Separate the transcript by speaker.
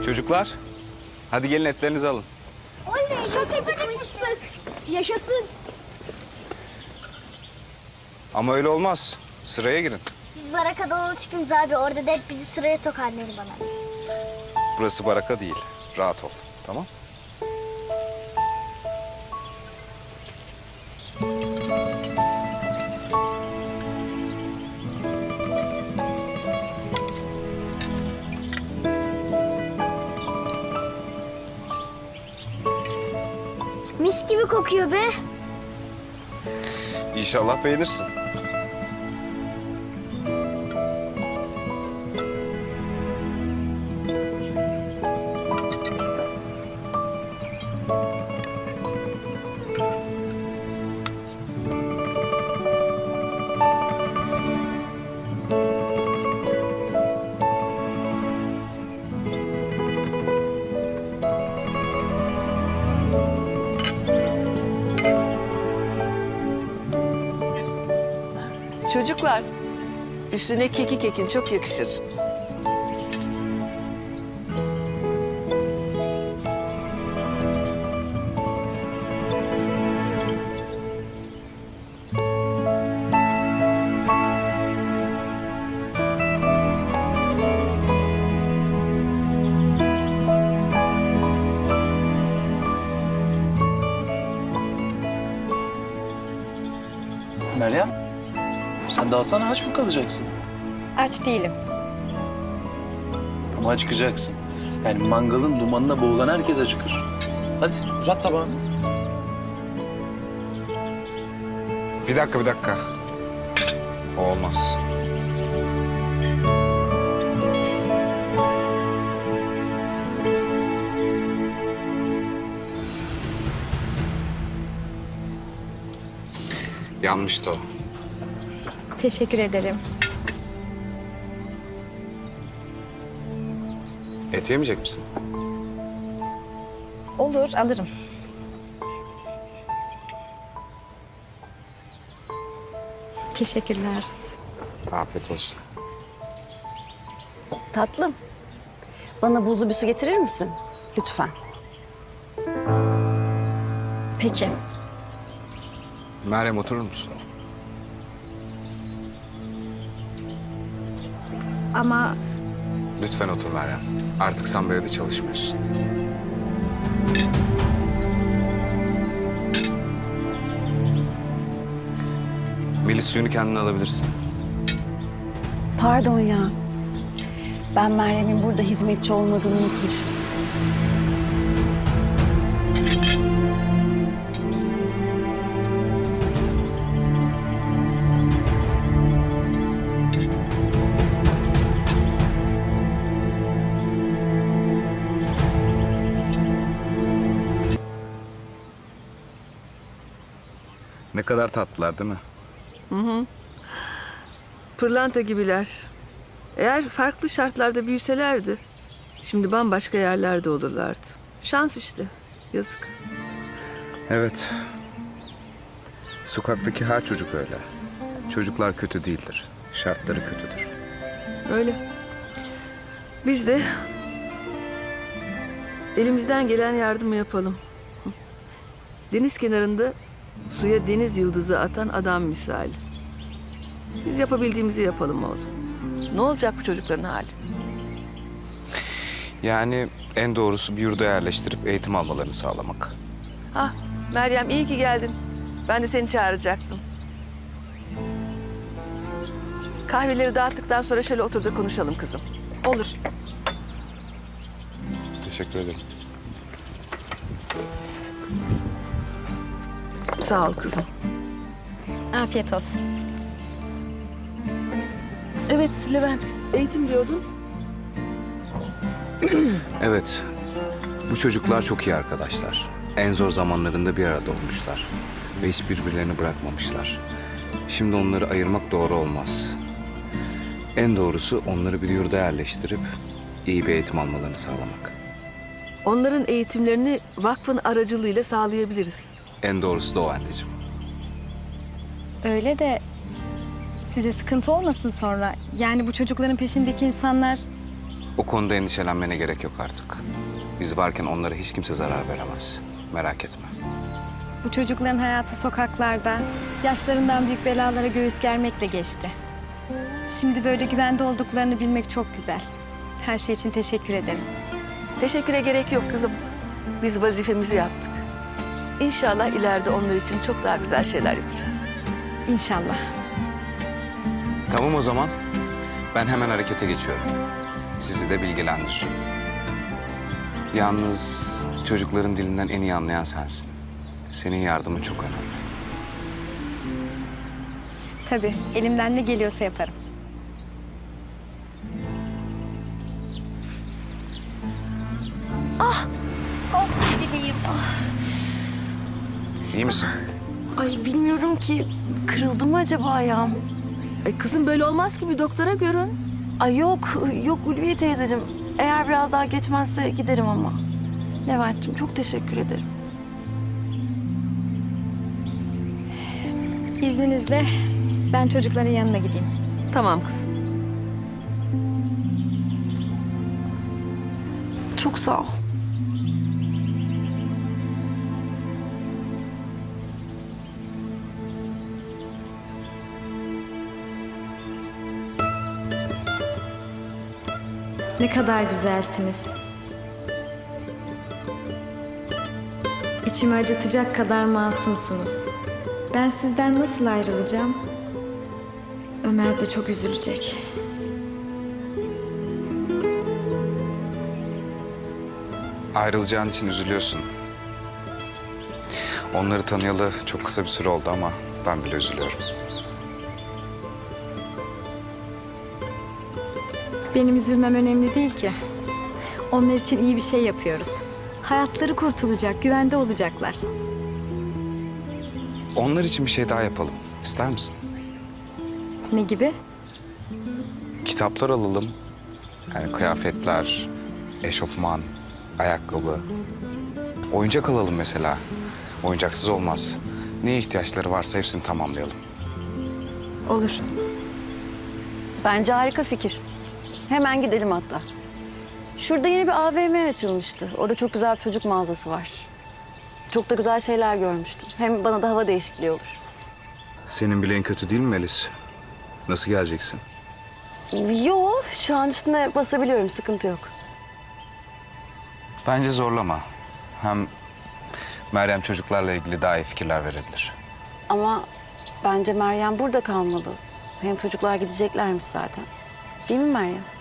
Speaker 1: Çocuklar, hadi gelin etlerinizi alın.
Speaker 2: Oley, çok acıkmıştık. Yaşasın.
Speaker 1: Ama öyle olmaz. Sıraya girin.
Speaker 2: Biz barakada alışkınız abi. Orada da hep bizi sıraya sokar Neriman abi.
Speaker 1: Burası baraka değil. Rahat ol. Tamam?
Speaker 2: Mis gibi kokuyor be.
Speaker 1: İnşallah beğenirsin.
Speaker 3: Çocuklar, üstüne kekik ekin çok yakışır.
Speaker 4: Meryem, sen de alsana aç mı kalacaksın?
Speaker 5: Aç değilim.
Speaker 4: Ama acıkacaksın. Yani mangalın dumanına boğulan herkes acıkır. Hadi uzat tabağını.
Speaker 1: Bir dakika. O olmaz. Yanmıştı o.
Speaker 5: Teşekkür ederim.
Speaker 1: Et yemeyecek misin?
Speaker 5: Olur, alırım. Teşekkürler.
Speaker 1: Afiyet olsun.
Speaker 6: Tatlım, bana buzlu bir su getirir misin? Lütfen.
Speaker 5: Peki.
Speaker 1: Meryem oturur musun?
Speaker 5: Ama
Speaker 1: Lütfen otur Meryem. Artık sen bu evde çalışmıyorsun. Melis, suyunu kendin alabilirsin.
Speaker 6: Pardon ya. Ben Meryem'in burada hizmetçi olmadığını unutmuşum.
Speaker 1: Ne kadar tatlılar değil mi?
Speaker 3: Pırlanta gibiler. Eğer farklı şartlarda büyüselerdi, şimdi bambaşka yerlerde olurlardı. Şans işte, yazık.
Speaker 1: Evet. Sokaktaki her çocuk öyle. Çocuklar kötü değildir. Şartları kötüdür.
Speaker 3: Öyle. Biz de elimizden gelen yardımı yapalım. Deniz kenarında suya deniz yıldızı atan adam misali. Biz yapabildiğimizi yapalım oğlum. Ne olacak bu çocukların hali?
Speaker 1: Yani en doğrusu bir yurda yerleştirip eğitim almalarını sağlamak.
Speaker 3: Ah Meryem, iyi ki geldin. Ben de seni çağıracaktım. Kahveleri dağıttıktan sonra şöyle otur da konuşalım kızım. Olur.
Speaker 1: Teşekkür ederim.
Speaker 3: Sağ ol kızım.
Speaker 5: afiyet olsun.
Speaker 3: Evet Levent, eğitim diyordun.
Speaker 1: Evet. Bu çocuklar çok iyi arkadaşlar. En zor zamanlarında bir arada olmuşlar. Ve hiç birbirlerini bırakmamışlar. Şimdi onları ayırmak doğru olmaz. En doğrusu onları bir yurda yerleştirip iyi bir eğitim almalarını sağlamak.
Speaker 3: Onların eğitimlerini vakfın aracılığıyla sağlayabiliriz.
Speaker 1: En doğrusu da o anneciğim.
Speaker 5: Öyle de size sıkıntı olmasın sonra. Yani bu çocukların peşindeki insanlar
Speaker 1: O konuda endişelenmene gerek yok artık. Biz varken onlara hiç kimse zarar veremez. Merak etme.
Speaker 5: Bu çocukların hayatı sokaklarda, yaşlarından büyük belalara göğüs germekle geçti. Şimdi böyle güvende olduklarını bilmek çok güzel. Her şey için teşekkür ederim.
Speaker 3: Teşekküre gerek yok kızım. Biz vazifemizi yaptık. İnşallah ileride onlar için çok daha güzel şeyler yapacağız.
Speaker 5: İnşallah.
Speaker 1: Tamam o zaman. Ben hemen harekete geçiyorum. Sizi de bilgilendiririm. Yalnız çocukların dilinden en iyi anlayan sensin. Senin yardımın çok önemli.
Speaker 5: Tabii, elimden ne geliyorsa yaparım.
Speaker 1: İyi misin?
Speaker 6: Ay bilmiyorum ki kırıldı mı acaba ayağım?
Speaker 3: Ay kızım böyle olmaz ki bir doktora görün.
Speaker 6: Ay yok Ulviye teyzeciğim. Eğer biraz daha geçmezse giderim ama. Levent'ciğim çok teşekkür ederim.
Speaker 5: İzninizle ben çocukların yanına gideyim.
Speaker 3: Tamam kızım.
Speaker 6: Çok sağ ol.
Speaker 5: Ne kadar güzelsiniz. İçimi acıtacak kadar masumsunuz. Ben sizden nasıl ayrılacağım? Ömer de çok üzülecek.
Speaker 1: Ayrılacağın için üzülüyorsun. Onları tanıyalı çok kısa bir süre oldu ama ben bile üzülüyorum.
Speaker 5: Benim üzülmem önemli değil ki. Onlar için iyi bir şey yapıyoruz. Hayatları kurtulacak, güvende olacaklar.
Speaker 1: Onlar için bir şey daha yapalım. İster misin?
Speaker 5: Ne gibi?
Speaker 1: Kitaplar alalım. Yani kıyafetler, eşofman, ayakkabı. Oyuncak alalım mesela. Oyuncaksız olmaz. Neye ihtiyaçları varsa hepsini tamamlayalım.
Speaker 5: Olur.
Speaker 6: Bence harika fikir. Hemen gidelim hatta. Şurada yeni bir AVM açılmıştı. Orada çok güzel bir çocuk mağazası var. Çok da güzel şeyler görmüştüm. Hem bana da hava değişikliği olur.
Speaker 1: Senin bileğin kötü değil mi Melis? Nasıl geleceksin?
Speaker 6: Yo, şu an üstüne basabiliyorum. Sıkıntı yok.
Speaker 1: Bence zorlama. Hem Meryem çocuklarla ilgili daha iyi fikirler verebilir.
Speaker 6: Ama bence Meryem burada kalmalı. Hem çocuklar gideceklermiş zaten. Değil mi Meryem?